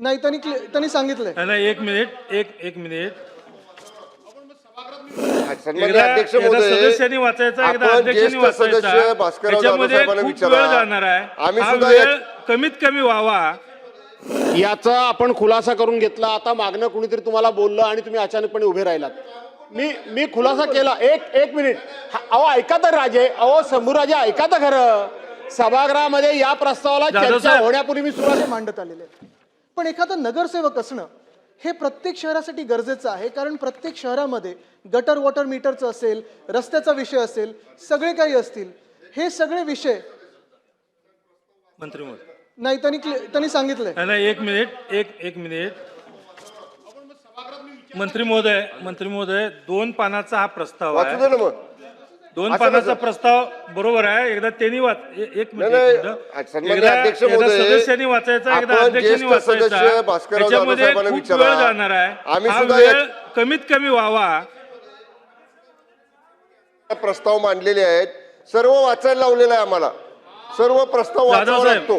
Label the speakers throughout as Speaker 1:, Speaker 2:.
Speaker 1: नाही, त्यांनी सांगितलंय.
Speaker 2: नाही, एक मिनिट, एक मिनिट.
Speaker 3: सन्माननीय अध्यक्ष महोदय,
Speaker 2: सदस्यांनी वाचायचा, एकदा
Speaker 3: आपण
Speaker 2: अध्यक्षांनी
Speaker 3: ज्येष्ठ
Speaker 2: वाचायचा.
Speaker 3: सदस्य भास्करराव जाधव
Speaker 2: त्याच्यामध्ये
Speaker 3: साहेबांना
Speaker 2: खूप
Speaker 3: विचारा.
Speaker 2: वेळ जाणार आहे.
Speaker 3: आम्ही
Speaker 2: हा
Speaker 3: सुद्धा
Speaker 2: वेळ कमीत कमी व्हावा
Speaker 4: याचा आपण खुलासा करून घेतला. आता मागणं कुणीतरी तुम्हाला बोललं आणि तुम्ही अचानकपणे उभे राहिलात. मी खुलासा केला. एक मिनिट. अहो ऐका तर राजे, अहो शंभूराजे ऐका तर खरं. सभागृहामध्ये या प्रस्तावाला चर्चा होण्यापूर्वी मी सुरुवात
Speaker 1: मांडत आलेले आहेत. पण एखादा नगरसेवक असणं हे प्रत्येक शहरासाठी गरजेचं आहे, कारण प्रत्येक शहरामध्ये गटर वॉटर मीटरचं असेल, रस्त्याचा विषय असेल, सगळे काही असतील. हे सगळे विषय
Speaker 2: मंत्री महोदय.
Speaker 1: नाही, त्यांनी सांगितलंय.
Speaker 2: नाही, एक मिनिट. मंत्री महोदय 2 पानाचा हा प्रस्ताव
Speaker 3: वाचू दे
Speaker 2: आहे.
Speaker 3: ना मग.
Speaker 2: 2 पानाचा प्रस्ताव बरोबर आहे. एकदा त्यांनी एक मिनिट.
Speaker 3: सन्माननीय अध्यक्ष महोदय,
Speaker 2: सदस्यांनी वाचायचा, एकदा
Speaker 3: आपण
Speaker 2: अध्यक्षांनी
Speaker 3: ज्येष्ठ सदस्य
Speaker 2: वाचायचा.
Speaker 3: भास्करराव जाधव
Speaker 2: त्याच्यामध्ये
Speaker 3: साहेबांना
Speaker 2: खूप
Speaker 3: विचारा.
Speaker 2: वेळ जाणार आहे.
Speaker 3: आम्ही
Speaker 2: हा
Speaker 3: सुद्धा
Speaker 2: वेळ कमीत कमी व्हावा.
Speaker 3: प्रस्ताव मांडलेले आहेत, सर्व वाचायला लावलेलं आहे आम्हाला. सर्व प्रस्ताव वाचावा लागतो.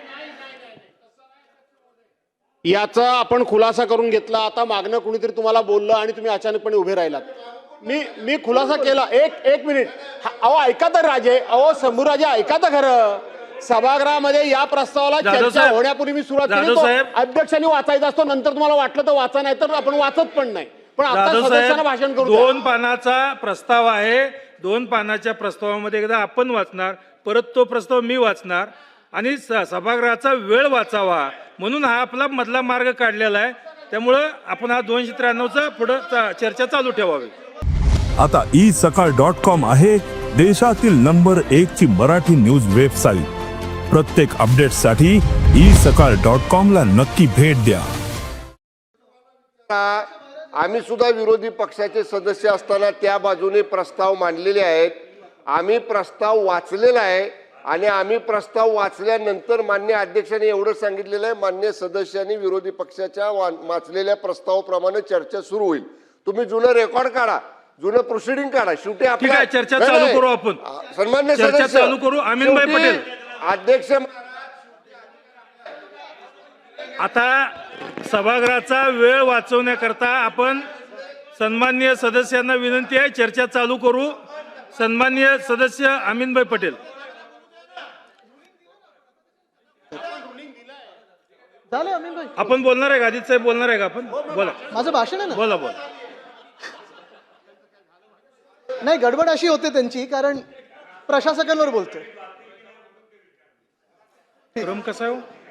Speaker 4: याचा आपण खुलासा करून घेतला. आता मागणं कुणीतरी तुम्हाला बोललं आणि तुम्ही अचानकपणे उभे राहिलात. मी खुलासा केला. एक मिनिट. अहो ऐका तर राजे, अहो शंभूराजे ऐका तर खरं. सभागृहामध्ये या प्रस्तावाला चर्चा होण्यापूर्वी मी सुरुवात केली. तो अध्यक्षांनी वाचायचा असतो. नंतर तुम्हाला वाटलं तर वाचा, नाही तर आपण वाचत पण नाही. पण आता सदस्यांना भाषण करू.
Speaker 2: 2 पानाचा प्रस्ताव आहे. 2 पानाच्या प्रस्तावामध्ये एकदा आपण वाचणार, परत तो प्रस्ताव मी वाचणार आणि सभागृहाचा वेळ वाचावा म्हणून हा आपला मधला मार्ग काढलेला आहे. त्यामुळं आपण हा 293चा पुढं चर्चा चालू ठेवावी.
Speaker 5: आता isakal.com आहे देशातील नंबर 1 ची मराठी न्यूज वेबसाईट. प्रत्येक अपडेटसाठी isakal.com ला नक्की भेट द्या.
Speaker 3: आम्ही सुद्धा विरोधी पक्षाचे सदस्य असताना त्या बाजूने प्रस्ताव मांडलेले आहेत. आम्ही प्रस्ताव वाचलेला आहे आणि आम्ही प्रस्ताव वाचल्यानंतर मान्य अध्यक्षांनी एवढं सांगितलेलं आहे, मान्य सदस्यांनी विरोधी पक्षाच्या वाचलेल्या प्रस्तावाप्रमाणे चर्चा सुरू होईल. तुम्ही जुनं रेकॉर्ड काढा, जुनं प्रोसिडिंग काढा. शेवटी आपल्या
Speaker 2: चर्चा चालू करू. आपण
Speaker 3: सन्मान्य
Speaker 2: चर्चा
Speaker 3: सदस्य
Speaker 2: चालू करू. अमीनभाई पटेल
Speaker 3: अध्यक्ष.
Speaker 2: आता सभागृहाचा वेळ वाचवण्याकरता आपण सन्माननीय सदस्यांना विनंती आहे, चर्चा चालू करू. सन्माननीय सदस्य अमीनभाई पटेल. आपण बोलणार आहे का? अजित साहेब बोलणार आहे का? आपण बोला.
Speaker 1: माझं भाषण आहे ना.
Speaker 2: बोला.
Speaker 1: नाही, गडबड अशी होते त्यांची, कारण प्रशासकांवर बोलतोय.
Speaker 2: क्रम कसा आहे?